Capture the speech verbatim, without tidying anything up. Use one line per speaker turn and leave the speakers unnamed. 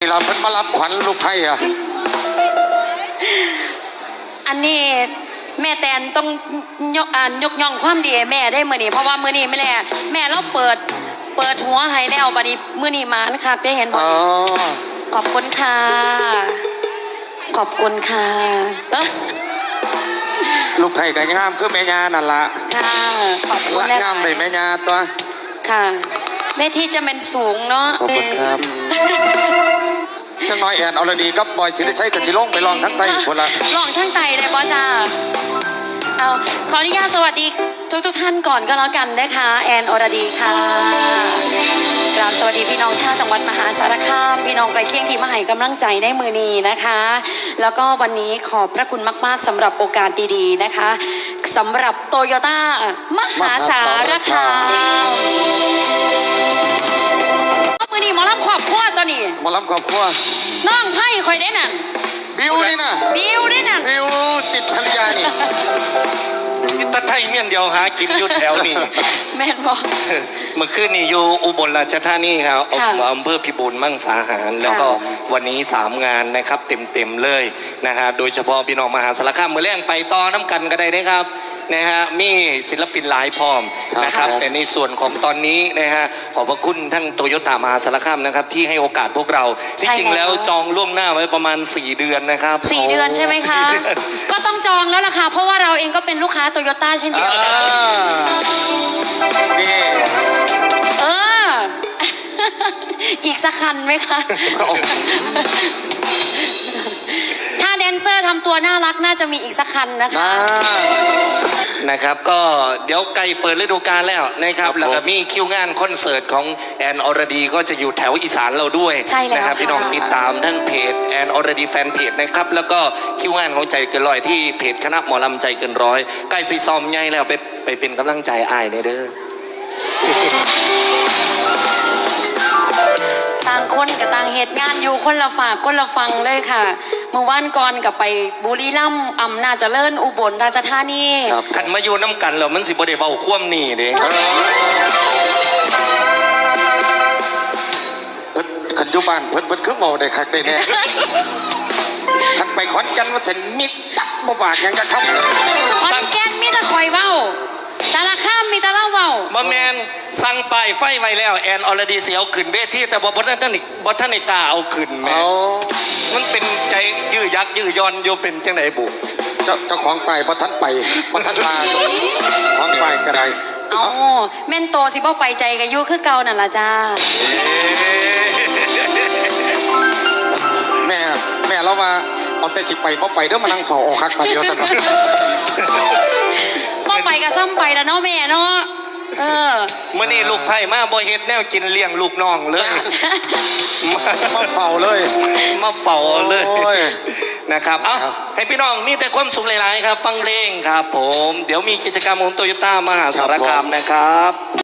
เราเพิ่นมารับขวัญลูกไผ่อะ
อันนี้แม่แตนต้องยกอ่ายกย่องความดีแม่ได้มือนี้เพราะว่ามือนี้ไม่แล่แม่เราเปิดเปิดหัวให้แล้วบัดนี้มือนี้มานะคะได้เห็นบ่ขอบคุณค่ะขอบคุณค่ะ
ลูกไผ่ก็งามคือแม่ยานั่นละ
ค่ะขอบคุณ
งามเลยแม่ยาตัว
ค่ะเวทีจะเป็นสูงเนาะ
ขอบคุณครับจังน้อยแอนอรดีกับบอยสิริชัยกับสิลงไปลองทั้งไตคนละ
ลองทั้งไตได้ป่ะจ้าเอาขออนุญาตสวัสดีทุกทุกท่านก่อนก็แล้วกันนะคะแอนอรดีค่ะกราบสวัสดีพี่น้องชาวจังหวัดมหาสารคามพี่น้องไกลเคียงที่มาให้กำลังใจในมือนี้นะคะแล้วก็วันนี้ขอบพระคุณมากๆสำหรับโอกาสดีๆนะคะสำหรับโตโยต้ามหาสารคามมือนี้หมอลำขอบครัวตัวนี้
หมอลำขอบครัว
น้องไพ่คอยได้นั่น
บิวนี่นะ
บิวได้นั่น
บิวจิตชัญญานี่
นี่ตะไทยเงี้ยเดียวหากินยุดแถวนี่
แม่นบอก
เมื่อคืนนี่อยู่อุบลราชธานีครับอำเภอพิบูลมังสาหารแล้วก็วันนี้สามงานนะครับเต็มๆเลยนะฮะโดยเฉพาะพี่น้องมหาสารคามมือแรงไปต่อน้ำกันก็ได้นะครับนะฮะมีศิลปินหลายพร้อมนะครับแต่ในส่วนของตอนนี้นะฮะขอบพระคุณทั้งโตโยต้ามหาสารคามนะครับที่ให้โอกาสพวกเราจริงๆแล้วจองล่วงหน้าไว้ประมาณสี่เดือนนะครับ
สี่เดือนใช่ไหมคะก็ต้องจองแล้วล่ะค่ะเพราะว่าเราเองก็เป็นลูกค้าโตโยต้าเช่นเดียวกัน
นี่
เอออีกสักคันไหมคะถ้าแดนเซอร์ทำตัวน่ารักน่าจะมีอีกสักคันนะคะ
นะครับก็เดี๋ยวไกลเปิดฤดูกาลแล้วนะครับแล้วก็มีคิวงานคอนเสิร์ตของแอนอรดีก็จะอยู่แถวอีสานเราด้วยนะครับพี่น้องติดตามทั้งเพจแอนอรดีแฟนเพจนะครับแล้วก็คิวงานของใจเกินร้อยที่เพจคณะหมอลำใจเกินร้อยใกล้ซีซอมใหญ่แล้วไปไปเป็นกำลังใจอ้ายเด้อ
ต่างคนกับต่างเหตุงานอยู่คนละฝากคนละฟังเลยค่ะเมื่อวานก่อนกับไปบุรีรัมย์อำนาจเจริญอุบลราชธานี
ขันมาอยู่น้ำกันแล้วมันสิบ่ได้เบาคว่ำนี่เด้
เพิ่นขันยุบ้านเพิ่นเพิ่นคือเมาได้คักได้แน่ขันไปขอนแก่นว่าฉันมิดตักบ่บากยังจะเข้า
ขอนแก่นมีแต่คอยเว้าสารคามมีแต่เล่าเว้า
บ่แมนสั่งป้ายไฟไว้แล้วแอนอรดีเสียเอาขึ้นเวทีแต่บ่บ่ท่านบ่ท่านในตาเอาขึ้นแม่มันเป็นใจยื้อยักยื้อย้อนโยเป็นจังไหนบุ
เจ้าเจ้าของไปเพราะท่านไปเพราะท่านมาของไปก็ได้
อ๋อแม่นโตสิบ่ไปใจกับยูคือเก่านั่นล่ะจ้า
แม่แม่เรามาเอาแต่จิไปเพราะไปเดี๋ยวมานั่งเฝ้าออกคักมาเดียวสักหน่อย
บ่ไปกับซ้ำไปแล้วเนาะแม่เนาะเออ
เมื่อนี้ลูกไผ่มาบ่เฮ็ดแนวกินเลี้ยงลูกน้องเลย
มาเฝ้าเลย
มาเฝ้าเลยนะครับเอ้าให้พี่น้องมีแต่ความสุขหลายๆครับฟังเพลงครับผมเดี๋ยวมีกิจกรรมของโตโยต้ามหาสารคามนะครับ